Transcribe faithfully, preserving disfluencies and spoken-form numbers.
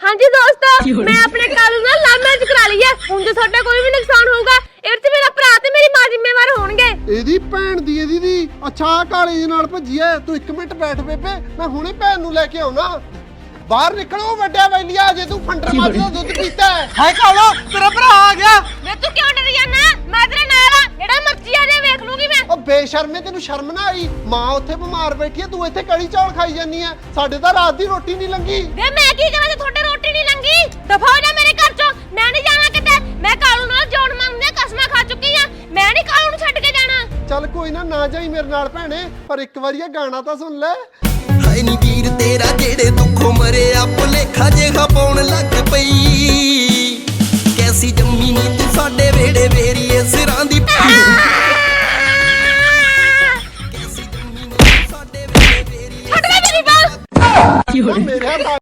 ਹਾਂਜੀ ਦੋਸਤੋ, ਮੈਂ ਆਪਣੇ ਕਾਲੂ ਨਾਲ ਲਵ ਮੈਰਿਜ ਕਰਾ ਲਈ ਹੈ। ਹੁਣ ਜੇ ਤੁਹਾਡਾ ਕੋਈ ਵੀ ਨੁਕਸਾਨ ਹੋਊਗਾ ਇਹ ਤੇ ਮੇਰਾ ਭਰਾ ਤੇ ਮੇਰੀ ਮਾਂ ਜ਼ਿੰਮੇਵਾਰ ਹੋਣਗੇ। ਇਹਦੀ ਭੈਣ ਦੀ ਇਹਦੀ ਦੀ ਅੱਛਾ ਕਾਲੇ ਦੇ ਨਾਲ ਭੱਜੀ ਐ। ਤੂੰ ਇੱਕ ਮਿੰਟ ਬੈਠ ਬੇਬੇ, ਮੈਂ ਹੁਣੇ ਭੈਣ ਨੂੰ ਲੈ ਕੇ ਆਉਣਾ। ਬਾਹਰ ਨਿਕਲੋ ਵੱਡਿਆ ਵੈਲੀਆ, ਜੇ ਤੂੰ ਫੰਡਰ ਮਾਰ ਦਾ ਦੁੱਧ ਪੀਤਾ ਹੈ। ਹਾਏ ਕਾਲੋ ਤੇਰਾ ਭਰਾ ਆ ਗਿਆ। ਵੇ ਤੂੰ ਕਿਉਂ ਡਰ ਜਾਨਾ? ਮੈਂ ਤੇਰੇ ਨਾਲ ਆ, ਜਿਹੜਾ ਮਰਜ਼ੀ ਆ ਜਾ ਵੇਖ ਲੂੰਗੀ ਮੈਂ। ਉਹ ਬੇਸ਼ਰਮੇ, ਤੈਨੂੰ ਸ਼ਰਮ ਨਾ ਆਈ? ਮਾਂ ਉੱਥੇ ਬਿਮਾਰ ਬੈਠੀ ਐ, ਤੂੰ ਇੱਥੇ ਕੜੀ ਚੌਲ ਖਾਈ ਜਾਨੀ ਐ। ਸਾਡੇ ਤਾਂ ਰਾਤ ਦੀ ਰੋਟੀ ਨਹੀਂ ਲੰਗੀ। ਵੇ ਮੈਂ ਕੀ ਕਰਾਂ ਜੇ ਤੁਹਾਡੇ ਰੋਟੀ ਨਹੀਂ ਲੰਗੀ? ਦਫਾ ਹੋ ਜਾ ਮੇਰੇ ਘਰ ਚੋਂ, ਮੈਂ ਨਹੀਂ ਜਾਣਾ ਕਿਤੇ। ਮੈਂ ਕਾਲੂ ਨਾਲ ਜੋੜ ਮੰਗਦੇ ਕਸਮਾਂ ਖਾ ਚੁੱਕੀ ਆ, ਮੈਂ ਨਹੀਂ ਕਾਲੂ ਨੂੰ ਛੱਡ ਕੇ ਜਾਣਾ। ਚੱਲ ਕੋਈ ਨਾ, ਨਾ ਜਾਈ ਮੇਰੇ ਨਾਲ ਭੈਣੇ, ਪਰ ਇੱਕ ਵਾਰੀ ਇਹ ਗਾਣਾ ਤਾਂ ਸੁਣ ਲੈ। ਹਾਏ ਨੀ ਵੀਰ ਤੇਰਾ ਜਿਹੜੇ ਦੁੱਖੋਂ ਮਰਿਆ ਭੁਲੇਖਾ ਜਿਹਾ ਪਾਉਣ ਲੱਗ ਪਈ। ਕੈਸੀ ਜੰਮੀ ਨੀ ਤੂੰ ਸਾਡੇ ਵੇੜੇ ਵੇਰੀਏ ਸਿਰਾਂ ਦੀ। ਕੈਸੀ ਜੰਮੀ ਨੀ ਤੂੰ ਸਾਡੇ ਵੇੜੇ ਵੇਰੀਏ। ਛੱਡ ਦੇ ਮੇਰੀ ਬਾਲ। ਮੇਰੇ